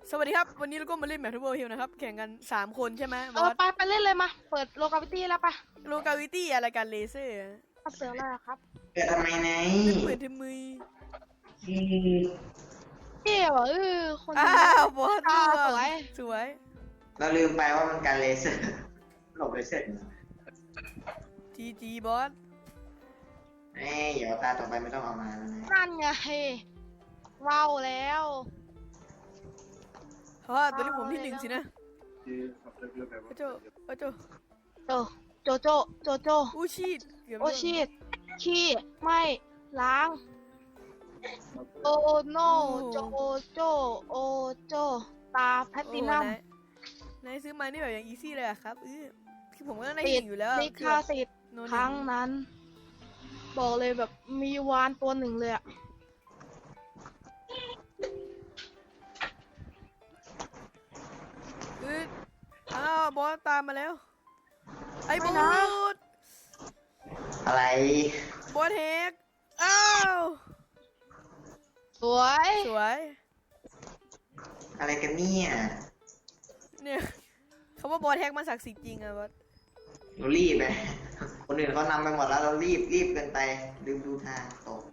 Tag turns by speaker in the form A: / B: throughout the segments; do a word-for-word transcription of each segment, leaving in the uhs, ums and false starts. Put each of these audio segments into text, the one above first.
A: สวัสดีครับวันนี้เราก็มาเล่นแมททูเบิลฮิลนะครับแข่งกันสามคนใช่ไหม
B: เออไปไปเล่นเลยมาเปิดโลกาวิตี้แล้วปะ
A: โลกาวิตี้อะไรกันเลเซอร์
B: เอาเสือเลยครับ
C: เกิดทำไมไหน
A: เป็นปืนที่มือ
C: อืม
B: เที่ยวเออคน
A: อ้าวบอส
B: อ่า
A: ร่
B: สวย
A: สวย
C: เราลืมไปว่ามันการเลเซอร์หลบเลเซอร์
A: จีจีบอส
C: เอ้ยเดี๋ยวตาต่อไปไม่ต้องเอามาแล้วนะ
B: นั่นไงว้าวแล้ว
A: เพราะว่าตัวนี้ผมที่หนึ่งสินะโอโจโอโจ
B: โจโจโจโจโจ
A: อู้ชีดเกือบ
B: โอชีดขี้ไม่ล้างโอโนโจโจโอโจตาแพตตินัม
A: โอ้นายนายซื้อมานี่แบบอย่างอีซี่เลยอะครับเออคือผมก็ได้
B: ติ
A: ห
B: ด
A: นึ่งอยู่แล้ว
B: ลิขสิทธิ์
A: โน
B: ครั้งนั้น บอกเลยแบบมีวานตัวหนึ่งเลยอะ
A: เอออ้าวบอสตามมาแล้วไอ้บอส
C: อะไร
A: บอสเฮกอ้าว
B: สวย
A: สวย
C: อะไรกันเนี่ย
A: เนี่ยเขาว่าบอสแฮกมันศักดิ์สิทธิ์จริงอะบอส
C: เรารีบไปคนอื่นเขานำไปหมดแล้วเรารีบรีบเกินไปลืมดูทางตก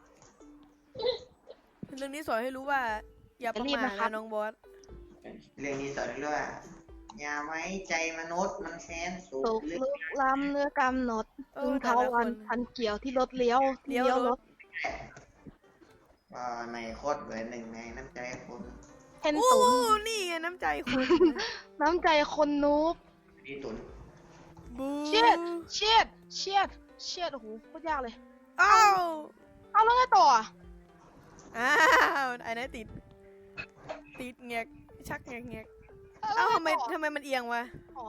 A: เรื่องนี้สอนให้รู้ว่า อย่าประมาทนะน้องบอส
C: เรื่องนี้สอนเรื่องว่าอย่าไว้ใจมนุษย์มันแค้นสู
B: สุ
C: ง
B: ก
C: ลึก
B: ลึกล้ำเนื้อกำหนด
A: เอ
B: ถึ
A: อง แต่
B: เทา
A: ละค
B: วัน
A: น
B: พันเกี่ยวที่รถเลี้ยวที่
A: เลี้ยว
B: เลี้ยวร
A: ร
B: ถ
A: ถ
C: ก็ในโคตรเบอร์หนึ่งในน้ำใจคน
B: เห็น
A: โอ้
B: ตุน
A: นี่ไงน้ำใจคน
B: น้ำใจคนนูบ
C: นี่ตุน
A: บู
B: เชียดเชียดเชียดเชียดโอ้โหโคตรยากเลย
A: อ้าว
B: เอาแล้วไงต่ออ่ะ
A: อ้าวไอ้นั่นติดติดเงียกชักเงียกเงียก
B: แล้ว
A: เอ้า
B: ไง
A: ทำไม
B: ต่อ
A: ทำไมมันเอียงวะ
B: อ๋อ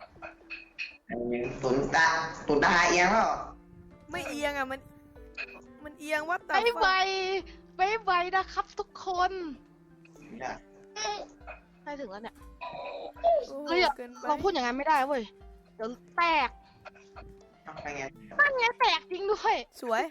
C: ตุนตาตุนตาเอียงแล้ว
A: ไม่เอียงอะมันมันเอียงวัด
B: ไป
A: ตา
B: ไวไปไวนะครับทุกคนใกล้ถึงแล้วเนี่ย เฮ้ย
A: เกินไป
B: เราพูดอย่างนั้นไม่ได้เว้ยเดี๋ยวแตก
C: ต้องไปไง
B: นั่นไงแตกจริงด้วย
A: สวย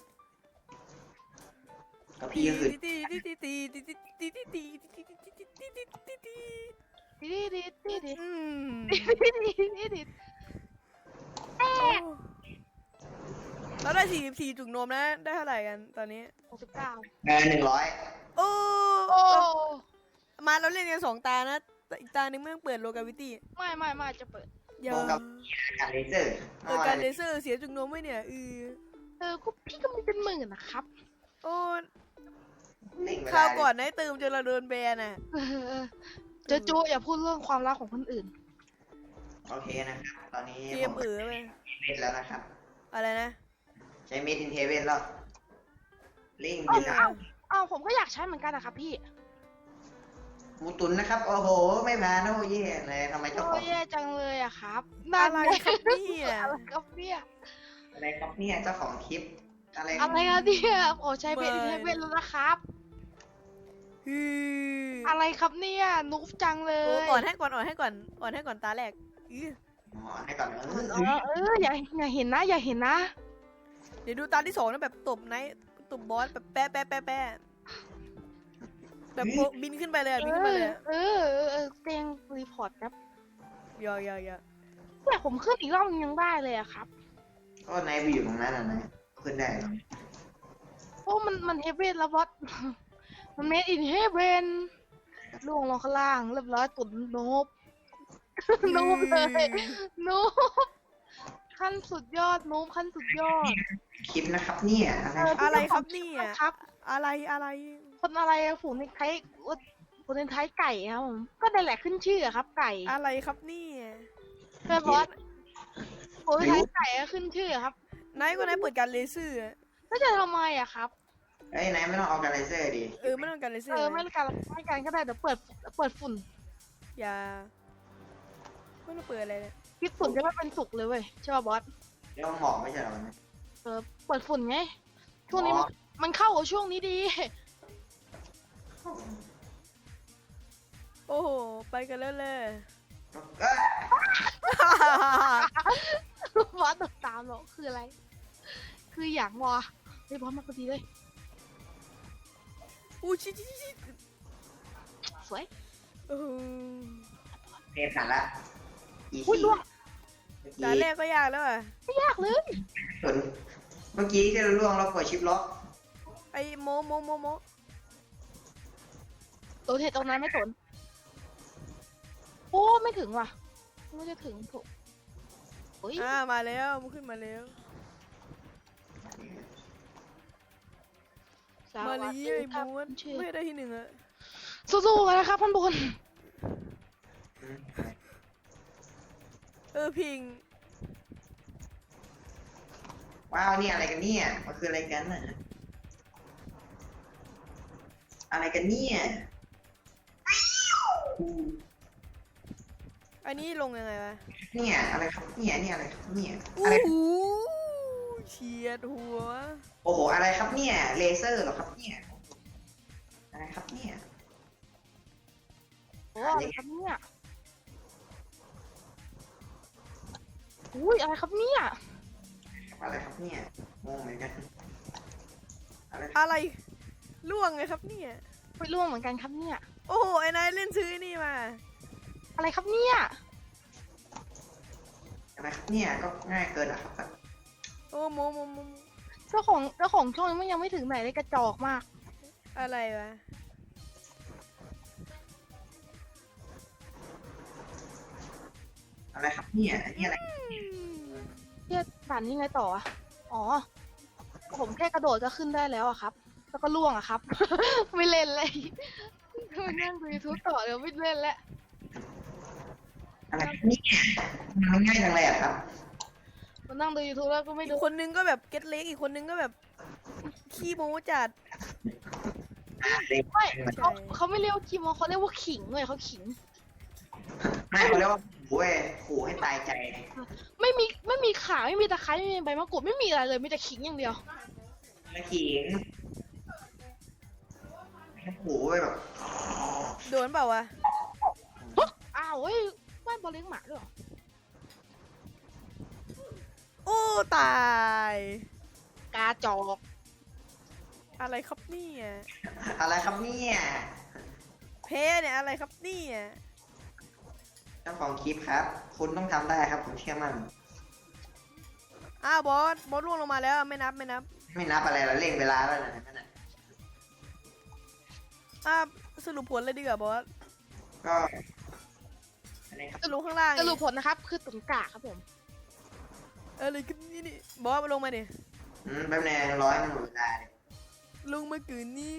C: กับพี่ก็คือ
A: ตีตีตีตีตีตีตีตีตีตีตีตีตีตีตีตี
B: ดีดีดีดี
A: อืม
B: ดีดีดีดีแตก
A: เราได้สี่สิบสี่จุกนมนะได้เท่าไหร่กันตอนนี้
B: หกสิบเก้า
C: เงินหนึ่งร้อย
A: โอ้
B: โอ้
A: มาเราเล่นกันสองตานะแต่อีกตาหนึงไม่ต้องเปิดโลกาวิตี้
B: ไม่ไม่ไม่จะเปิด
A: อย่า
C: กับการเลเซอร์
A: เปิดการเลเซอร์เสียจุกนมไว้เนี่ยเออ
B: เออก็พี่ก็มีเป็นหมื่นนะครับ
A: โอ้
C: หนึ่งเว
A: ครา
C: ลาว
A: ก่อนนายเติมจนเราโดนแบนอ่ะ
B: เออเจอจูอย่าพูดเรื่องความรักของคนอื่น
C: โอเคนะครับ ตอนนี้
A: เกม
C: ผม
A: เอ๋อไป
C: เมดแล้วนะครับ
A: อะไรนะ
C: ใช้เมดอินเทเวนแล้วลิง
B: เอ้า
C: บิน
B: เอ้าเอ้าผมก็อยากใช้เหมือนกันนะครับพี่
C: หมูตุนนะครับ โอ้โห ไม่ผ่านโอ้เย่เลยทำไมเจ้าข
B: โอ้
C: อง
B: ยแย่จังเลยอะครับ
A: อะไร
B: ง
A: ครับเนี่ย
B: อะไรครับเนี่ย
C: อะไรครับเนี่ยเจ้าของคลิป อะไร
B: อะไรครับเนี่ยโอ้ใช้เป็นใช้เป็นแล้วนะครับ
A: ฮือ
B: อะไรครับเนี่ยนุ๊กจังเล
A: โอ้
B: ย
A: อ่อนให้ก่อนอ่อนให้ก่อนอ่อนให้ก่อนตาแรกอื้อ
C: อ๋อให้ก่อนเออ
B: เออเอออย่าอย่าเห็นนะ อย่าเห็นนะ
A: เดี๋ยวดูตาที่สองนะแบบตบไนท์ตบบอสแบบแปะแปะแปะแปะแบบโผล่บินขึ้นไปเลยอะบินขึ้นไปเลยอะ
B: เออเออเออเตียงรีพอร์ตครับ
A: ยอยอยอ
B: เนี่ยผมขึ้นอีกรอบยังได้เลยอะครับ
C: ก็นายไปอยู่ตรงนั้นอ่ะนะขึ้นได้เหรอ
B: โอ้มันมันเฮเวนแล้วบอส มันเมดอินเฮเวนล่วงลงข้างล่างเรียบร้อยตุ่นโนบ โนบเลยโนบขั้นสุดยอดโนบขั้นสุดยอด
C: คลิปนะครับเนี่ยอะไร
B: เออ
A: อะไรครับเนี่ย
B: ครับ
A: อะไรอะไร
B: คนอะไรอะฝูงในไทยฝูงในไทยไก่ครับผมก็ได้แหละขึ้นชื่ออะครับ ไก่
A: อะไรครับเนี่ย
B: เพื่อนบอสฝูงในไทยไก่อะขึ้นชื่ออะครับ
A: ไนท์ก็ไนท์เปิดการเลเซอร์อะ
B: ก็จะทำไมอะครับ
C: เอ้ยนายไม่ต้องเอาการเลเซอร์ดิ
A: เออไม่ต้องการเลเซอ
B: เอ
A: ร์
B: อไม่การไม่การก็ได้เดี๋ยวเปิดเปิดฝุ่น
A: อย่าไม่ต้องเปิดอะไรเลย
B: คิดฝุ่นจะไม่เป็นสุกเลยเว้ยใช่ป่ะบอส
C: เรื่องหมอกไม่ใช่เหรอนะ
B: เออเปิดฝุ่นไงช่วงนี้มันมันเข้ากับช่วงนี้ดี
A: โอ้โหไปกันแล้วเลย
C: เอ้ย
B: บอสติดตามเหรอคืออะไร คืออย่างวะไอ้ยบอสมาพอดีเลย
A: อู้ชิชิชิ
B: สวย
A: โอ้โห
C: เพลผ่านละอี
B: อุ้ย
C: ซี่
B: ล่วง
C: เมื่อ
A: ด่าน
C: กี้
A: แรกก็ยากแล้วอ่ะ
B: ไม่ยากเลย
C: ส่วนเมื่อกี้ที่เราล่วงเรากดชิปล็อก
A: ไอโมโมโมโม
B: โดนเห็ดตรงนั้นไม่สนโอ้ไม่ถึงว่ะไม่จะถึงถูกโอ้ย
A: อ่ามาแล้วมันขึ้นมาแล้ว
B: ส
A: มา
B: วัส
A: ลี
B: ดี
A: ไอ้
B: ครับ
A: ม้วน
B: ชื่อ
A: ไม่ได้ที่หนึ่งอะ
B: สู้ๆกันนะครับท่านบน
C: อืม
A: เออพิง
C: ว้าวนี่อะไรกันเนี่ยมันคืออะไรกันน่ะอะไรกันเนี่ยอู้
A: อันนี้ลงยังไงวะ
C: เนี่ยอะไรครับเนี่ยนี่อะไรครับเนี่ย
A: โอ้
C: อะไร
A: โหเฉียดหัว
C: โอ้โหอะไรครับเนี่ยเลเซอร์เหรอครับเนี่ยอะไรครับเนี่ย
B: โอ้อะไรครับเนี่ยอุ้ยอะไรครับเนี่ย
C: อะไรครับเนี่ยงงเหมือนกันอะไร
A: อะไรล่วงไงครับเนี่ย
B: ไม่ร่วงเหมือนกันครับเนี่ย
A: โอ้โหไอ้นายเล่นซื้อไอ้นี่มา
B: อะไรครับเนี่ย
C: อะไรครับเนี่ยก็ง่ายเกินอ่ะครับ
A: โอ้โมโมโมโม
B: เจ้าของเจ้าของช่องมันยังไม่ถึงไหนเลยกระจอกมาก
A: อะไรวะ
C: อะไรครับเนี่ยอันนี่อะไร
B: เทียด่านนี้ไงต่ออะอ๋อ ผมแค่กระโดดก็ขึ้นได้แล้วอะครับ แล้วก็ล่วงอะครับ ไม่เล่นเลยไม่นั่งดูยูทูบต่อเดี๋ยวไม่เล่นแล้ว
C: อะไรครับเนี่ยมันง่ายจังเลยอ่ะครับ
B: มานั่งดูยูทูบแล้วก็ไม่
A: อี
B: ดู
A: กคนนึงก็แบบเก็ตเล็กอีกคนนึงก็แบบขี้โม้จัด
B: ไม่เขาเขาไม่เรียกว่าคิมเขาเรียกว่าขิงเลยเขาขิง
C: ไม่เขาเรียกว่าขู่เว้ยขู่ให้ตายใจ
B: ไม่มีไม่มีขาไม่มีตะไคร้ไม่มีใบมะกรูดไม่มีอะไรเลยมีแต่ขิงอย่างเดียว
C: มาขิงขู่เว้ยแบบ
A: โดนเปล่าวะ
B: อ้าวเฮ้ยบ้านบอลเลี้ยงหมาด้วยเหรอ
A: โอ้ตาย
B: กาจอก
A: อะไรครับเนี่ย
C: อะไรครับเนี่ย
A: เพเนี่ยอะไรครับเนี่ย
C: เจ้าของคลิปครับ คุณต้องทำได้ครับผมเชื่อมั่น
A: อ้าวบอสบอสล่วงลงมาแล้วไม่นับไม่นับ
C: ไม่นับอะไรเราเล่นเวลาแล้วนะนั่นน่ะ
A: อ้าวสรุปผลเลยดีกว่าบอส
C: ก็อะไรครับ
A: ลงข้างล่าง
B: สรุปผลนะครับ คือตุ่นกาครับผม
A: เออเลยก็นี่นี่บอสมาลงมาดิ
C: อืมแป๊บนึงร้อยมันหมดเวลาเลย
A: ลงมากืนนี้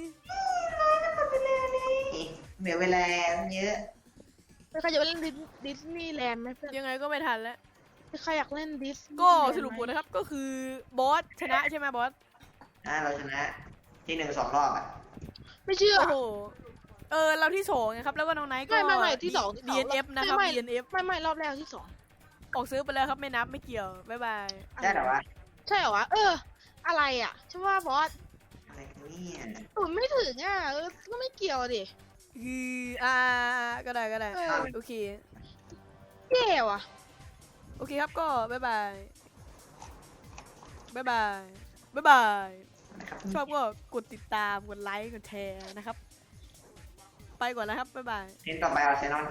C: เหลือเวลาเยอะ
B: ใครอยากเล่นดิสนีย์แลนด์ไหมเพื่อน
A: ยังไงก็ไม่ทันแล้ว
B: ใครอยากเล่นดิส
A: ก็สรุปผลนะครับก็คือบอสชนะใช่ไหมบอส
C: อ่าเราชนะที่หนึ่งสองรอบอ่ะ
B: ไม่เชื่อ
A: โอ้โหเออเราที่สองนะครับแล้วก็น้องไนท์ก็
B: ไม่ไม่ไม่ที่สองที่สอง
A: ดี เอ็น เอฟ นะครับ
B: ไม่
A: ดี เอ็น เอฟ
B: ไม่ไม่รอบแรกที่สอง
A: ออกซื้อไปแล้วครับไม่นับไม่เกี่ยวบ๊ายบาย
C: ได้เหรอวะ
B: ใช่เหรอวะเออ อะไรอ่ะใช่ว่าบอส
C: อะไรกันเนี่ย
B: ตุ่นไม่ถึงอ่ะเออก็ไม่เกี่ยวดิ
A: คืออ่าก็ได้ก็ได้
B: เออ
A: โอเค
B: แย่ว่ะ
A: โอเคครับก็บ๊ายบายบ๊ายบายบ๊ายบาย
C: อะไรครับ
A: ชอบก็กดติดตามกดไลค์กดแชร์นะครับ ไปก่อนแล้วครับบ๊ายบาย
C: เทนต่อไปอาร์เซนอล